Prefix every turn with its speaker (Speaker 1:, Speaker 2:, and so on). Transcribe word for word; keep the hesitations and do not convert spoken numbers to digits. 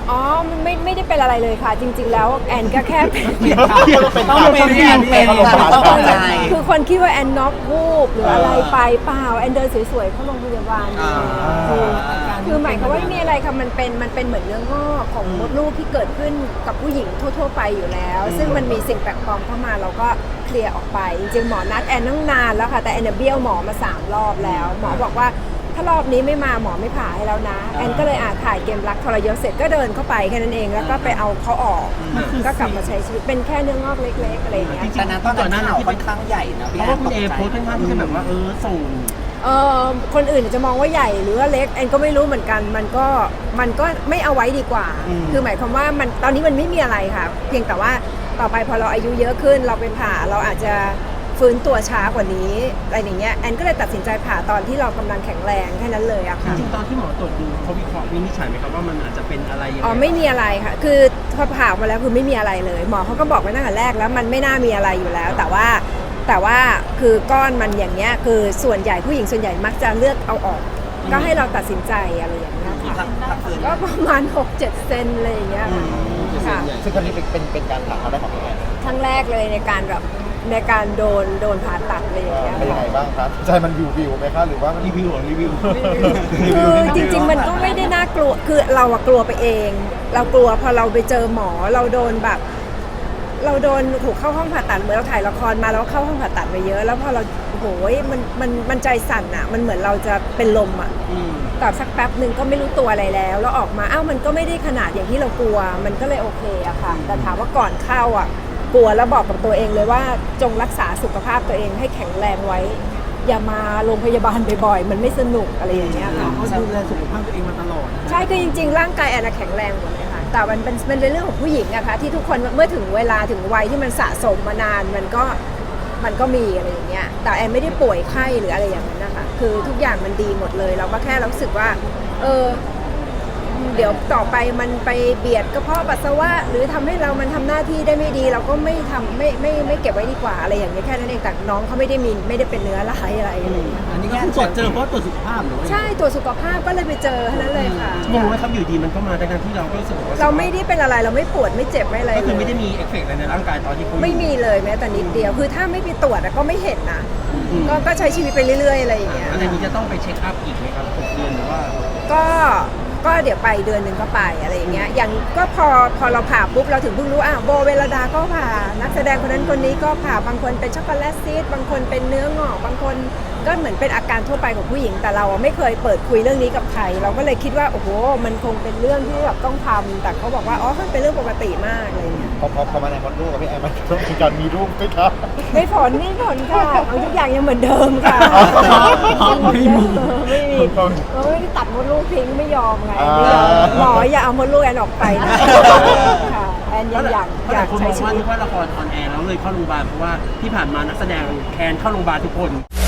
Speaker 1: อ๋อมันไม่ไม่ได้เป็นอะไรเลยค่ะจริงๆแล้วแอนก็แค่เป็น
Speaker 2: ต้องเป็นแอนเป็นต้องเข้าใจ
Speaker 1: คือคนคิดว่าแอนน็อกวูบหรืออะไรไปเปล่าแอนเดินสวยๆเข้าโรงพยาบาลคือคือหมายความว่าไม่มีอะไรค่ะมันเป็นมันเป็นเหมือนเนื้องอกของมดลูกที่เกิดขึ้นกับผู้หญิงทั่วๆไปอยู่แล้ว ซึ่งมันมีสิ่งแปลกปลอมเข้ามาเราก็เคลียร์ออกไปจริงๆหมอนัดแอนตั้งนานแล้วค่ะแต่แอนเบี้ยวหมอมาสามรอบแล้วหมอบอกว่าถ้ารอบนี้ไม่มาหมอไม่ผ่าให้แล้วนะแอนก็เลยอาถ่ายเกมรักทรยศเสร็จก็เดินเข้าไปแค่นั้นเองแล้วก็ไปเอาเขาออกก็กลับมาใช้ชีวิตเป็นแค่เนื้องอกเล็กๆอะไรอย่างเงี้ย
Speaker 2: แต่นั้นตอนนั้นข่าวค่อนข้างใหญ่นะ
Speaker 3: เพราะว่าคุณเอโพสค่อนข้างที่จะแบบว่าเออส่ง
Speaker 1: เออคนอื่นจะมองว่าใหญ่หรือว่าเล็กแอนก็ไม่รู้เหมือนกันมันก็มันก็ไม่เอาไว้ดีกว่าคือหมายความว่ามันตอนนี้มันไม่มีอะไรค่ะเพียงแต่ว่าต่อไปพอเราอายุเยอะขึ้นเราไปผ่าเราอาจจะฟื้นตัวช้ากว่านี้อะไรอย่างเงี้ยแอนก็เลยตัดสินใจผ่าตอนที่เรากำลังแข็งแรงแค่นั้นเลยอะค่ะ
Speaker 3: จริงๆตอนที่หมอตรวจดูเขาวิเคราะห์วินิจฉัยไหมครับว่ามันอาจจะเป็นอะไรยังไง
Speaker 1: อ๋อไม่มีอะไรค่ะคือพอผ่าออกมาแล้วคือไม่มีอะไรเลยหมอเขาก็บอกไว้ตั้งแต่แรกแล้วมันไม่น่ามีอะไรอยู่แล้ว แต่ว่าแต่ว่าคือก้อนมันอย่างเงี้ยคือส่วนใหญ่ผู้หญิงส่วนใหญ่มักจะเลือกเอาออก ก็ให้เราตัดสินใจอะไรอย่างเงี้ยค่ะก็ประมาณ หกเจ็ด เซนอะไรอย่างเงี้ยค่ะ
Speaker 4: ซึ่งครั้งนี้เป็นเป็นเป็นการผ่าครั้งแรกของพี่แอน
Speaker 1: ครั้งแรกเลยในการแบบในการโดนโดนผ่าตัดอะไรอย่างเงี้ย
Speaker 4: เป็นยังไงบ้างครับใจมันวิววิวไหมคะหรือว่ามัน
Speaker 3: รีวิวหรือรีวิว
Speaker 1: คือจริงๆมันก็ไม่ได้น่ากลัวคือเราอะกลัวไปเอง เรากลัวพอเราไปเจอหมอเราโดนแบบเราโดนถูกเข้าห้องผ่าตัดเหมือนเราถ่ายละครมาแล้วเข้าห้องผ่าตัดมาเยอะแล้วพอเราโอ้ยมันมันมันใจสั่นอะมันเหมือนเราจะเป็นลมอะแต่สักแป๊บหนึ่งก็ไม่รู้ตัวอะไรแล้วแล้วออกมาอ้าวมันก็ไม่ได้ขนาดอย่างที่เรากลัวมันก็เลยโอเคอะค่ะแต่ถามว่าก่อนเข้าอะกลัวแล้วบอกกับตัวเองเลยว่าจงรักษาสุขภาพตัวเองให้แข็งแรงไว้อย่ามาโรงพยาบาลบ่อยๆมันไม่สนุกอะไรอย่างเงี้ยค่ะ
Speaker 3: เขาดูแลสุขภาพตัวเองมาตลอด
Speaker 1: ใช่คือจริงๆร่างกายแอนแข็งแรงหมดเลยค่ะแต่มันเป็นมันเป็นเรื่องของผู้หญิงอะค่ะที่ทุกคนเมื่อถึงเวลาถึงวัยที่มันสะสมมานานมันก็มันก็มีอะไรอย่างเงี้ยแต่แอนไม่ได้ป่วยไข้หรืออะไรอย่างนั้นนะคะคือทุกอย่างมันดีหมดเลยเราก็แค่รู้สึกว่าเออเดี๋ยวต่อไปมันไปเบียดกระเพาะปัสสาวะหรือทำให้เรามันทำหน้าที่ได้ไม่ดีเราก็ไม่ทำไม่ไม่ไม่เก็บไว้ดีกว่าอะไรอย่างเงี้ยแค่นั้นเองแต่น้องเขาไม่ได้มีไม่ได้เป็นเนื้อร้ายอะไรอะไรอย่างเงี้ย
Speaker 3: อันนี้ก็คือตรวจเจอเพราะตรวจสุขภาพหรือ
Speaker 1: ใช่ตรวจสุขภาพก็เลยไปเจอแค่นั้นเลยค่ะ
Speaker 3: งงไหมครับอยู่ดีมันก็มาในการที่เราก็รู้สึกว่า
Speaker 1: เราไม่ได้เป็นอะไรเราไม่ปวดไม่เจ็บไม่อะไร
Speaker 3: ก็คือไม่ได้มีเอฟเฟกต์อะไรในร่างกายตอนที่
Speaker 1: ไม่มีเลยแม้แต่นิดเดียวคือถ้าไม่ไปตรวจก็ไม่เห็นนะก็ก็ใช้ชีวิตไปเรื่อยๆอะไรอย่างเงี้ย
Speaker 3: อันนี้จะต้องไปเช็คอัพอีกไหมครับหกเดือนหรือว่า
Speaker 1: ก็ก็เดี๋ยวไปเดือนหนึ่งก็ไปอะไรอย่างเงี้ยอย่างก็พอพอเราผ่าปุ๊บเราถึงเพิ่งรู้อ่ะโบเวลดาก็ผ่านักแสดงคนนั้นคนนี้ก็ผ่าบางคนเป็นช็อกโกแลตซีสบางคนเป็นเนื้องอกบางคนก็เหมือนเป็นอาการทั่วไปของผู้หญิงแต่เราไม่เคยเปิดคุยเรื่องนี้กับใครเราก็เลยคิดว่าโอ้โหมันคงเป็นเรื่องที่แบบต้องทำแต่เขาบอกว่าอ๋อมันเป็นเรื่องปกติมากอะไรอย่างเงี้ย
Speaker 4: พอพอพอมาในมดลูกกับพี่แอนมันต้องมีการมีลูกไหมครับ
Speaker 1: ไม่ผลไม่ผลค่ะเอาทุกอย่างยังเหมือนเดิมค่ะ
Speaker 3: ไม่มี
Speaker 1: ไม่มีเราไม่ได้ตัดมดลูกทิ้งไม่ยอมไงไม่ยอมหมออย่าเอามดลูกแอนออกไปนะค่ะแอนยังอยากอยากใช้ชีวิต
Speaker 3: ว่านึกว่าละครออนแอร์แล้วเลยเข้าโรงพยาบาลเพราะว่าที่ผ่านมานักแสดงแคนเข้าโรงพยาบาลทุกคน